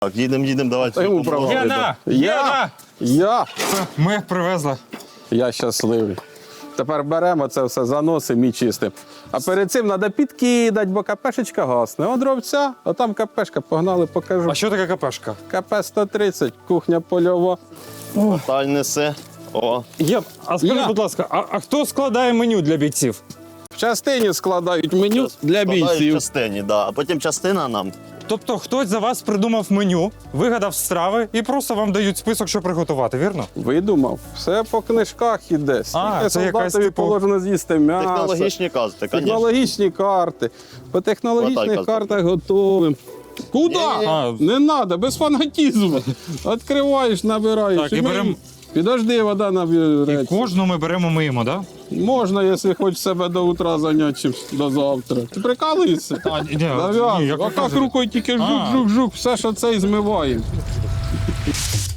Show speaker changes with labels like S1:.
S1: Так, їдемо, давайте.
S2: йому право.
S3: Гена!
S2: Я
S3: Все, ми їх привезли.
S2: щасливий. Тепер беремо це все, заносимо і чистимо. А перед цим треба підкидати, бо КПшечка гасне. От дровця, а там КПшка, погнали, покажу.
S3: А що таке КПшка?
S2: КП-130, кухня польова.
S1: Таль несе. О,
S3: А скажіть,
S2: Я.
S3: будь ласка, а хто складає меню для бійців?
S2: В частині складають меню для
S1: складають в
S2: бійців.
S1: частині, да. А потім частина нам.
S3: Тобто хтось за вас придумав меню, вигадав страви і просто вам дають список, що приготувати, вірно?
S2: Видумав. Все по книжках іде. Скільки
S3: це якась,
S2: солдатові
S3: типу,
S2: положено з'їсти м'ясо.
S1: Технологічні карти, звісно.
S2: Технологічні карти. По технологічних
S1: Хватай,
S2: картах готовим. Куди?
S3: А.
S2: Не треба, без фанатізму. Відкриваєш, набираєш.
S3: Так, і
S2: ми-
S3: берем-
S2: Підожди, вода
S3: І
S2: набереться.
S3: кожну ми беремо, миємо, так?
S2: Можна, якщо хочеш себе до утра зайняти, чим до завтра. Ти прикалуєшся?
S3: А, ні,
S2: Зав'язуй.
S3: як ви
S2: Отак
S3: кажете.
S2: рукою тільки жук-жук-жук, все, що це і змиваємо.